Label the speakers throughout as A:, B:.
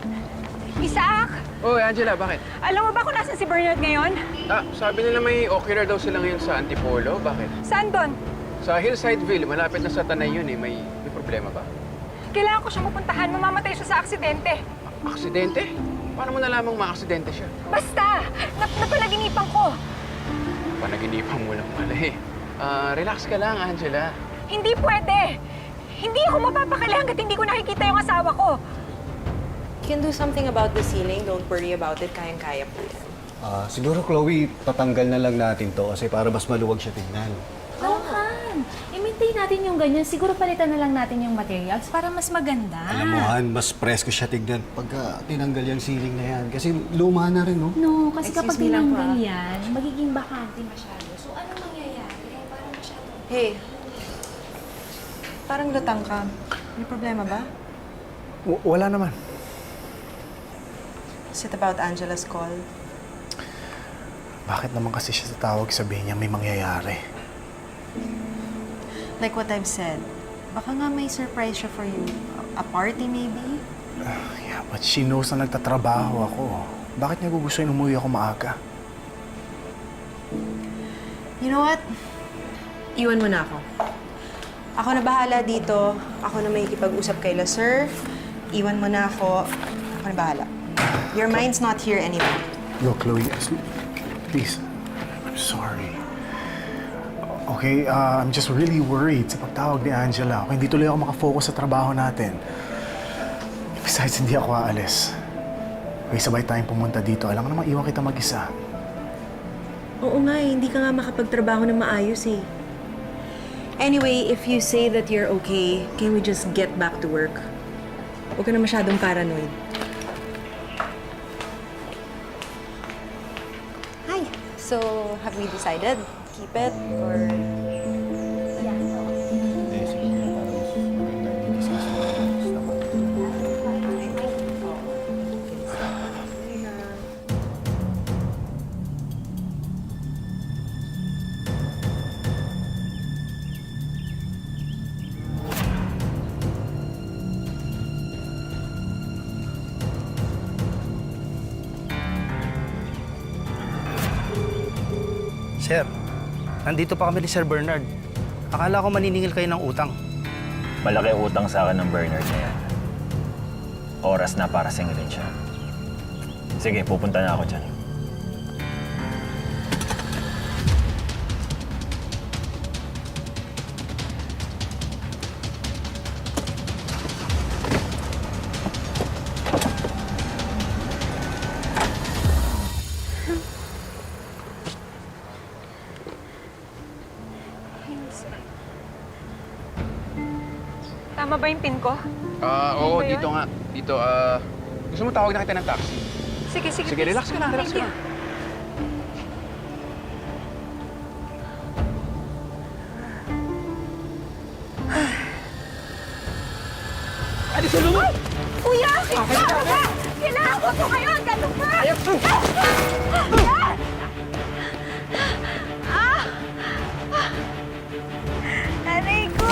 A: Isaac!
B: Oy, Angela, bakit?
A: Alam mo ba kung nasan si Bernard ngayon?
B: Sabi nila may ocular daw sila ngayon sa Antipolo. Bakit?
A: Saan doon?
B: Sa Hillsideville, malapit na sa Tanay yun eh. May problema ba?
A: Kailangan ko siyang mapuntahan. Mamamatay siya sa aksidente.
B: Aksidente? Paano mo nalamang maaksidente siya?
A: Basta! Napanaginipan ko.
B: Panaginipan mo lang pala eh. Relax ka lang, Angela.
A: Hindi pwede. Hindi ako mapapakali hanggat hindi ko nakikita yung asawa ko.
C: You can do something about the ceiling. Don't worry about it. Kayang-kaya po yan.
D: Siguro, Chloe, tatanggal na lang natin to kasi para mas maluwag siya tingnan.
E: Oo, Han. I-maintain natin yung ganyan. Siguro palitan na lang natin yung materials para mas maganda.
D: Alam mo, Han, mas presko siya tignan pagka tinanggal yung ceiling na yan. Kasi luma na rin, no?
E: No, kasi
C: Excuse
E: kapag
C: me lang po,
E: tinanggal yan, magiging bakante masyado. So, anong mangyayari? Parang masyado.
C: Hey. Parang lutang ka. May problema ba?
F: Wala naman.
C: Is it about Angela's call?
F: Bakit naman kasi siya tatawag, sabihin niya may mangyayari?
C: Like what I've said, baka nga may surprise siya for you. A party maybe?
F: Yeah, but she knows na nagtatrabaho ako. Bakit niya gugustuhin umuwi ako maaga?
C: You know what? Iwan mo na ako. Ako na bahala dito. Ako na may ikipag-usap kay Sir. Iwan mo na ako. Ako na bahala. Your mind's not here anymore.
F: Yo, Chloe, please. I'm sorry. Okay, I'm just really worried sa pagtawag ni Angela. Okay, hindi tuloy ako makafocus sa trabaho natin. Besides, hindi ako aalis. Okay, sabay tayong pumunta dito. Alam mo naman, iwan kita mag-isa.
C: Oo nga eh, hindi ka nga makapagtrabaho ng maayos eh. Anyway, if you say that you're okay, can we just get back to work? Huwag ka na masyadong paranoid. Hi! So, have we decided? Keep it or...
D: Hindi, sige nga, para mas maganda i-discuss naman.
G: Sir, nandito pa kami ni Sir Bernard. Akala ko maniningil kayo ng utang.
H: Malaki utang sa akin ng Bernard na yan. Oras na para singilin siya. Sige, pupunta na ako dyan.
A: Tama ba yung pin ko?
B: Oo,
A: Ano ba yun?
B: dito nga. Dito, gusto mo tawag na kita ng taxi?
A: Sige, sige.
B: Sige,
A: please.
B: relax ka lang, relax ka
A: Thank
B: lang.
A: you.
B: Adi, sulungan!
A: Kuya! Kailangan ko ito ngayon! Ganun pa!
B: Ayap!
A: Aray ko!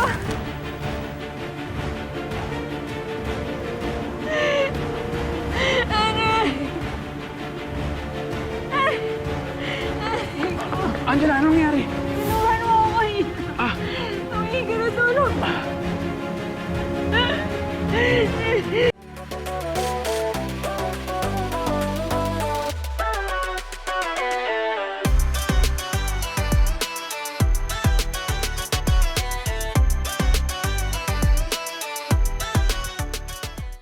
A: Aray!
B: Angela, anong nangyari?
A: Inuwan mo ako eh! Tumigil na tulog!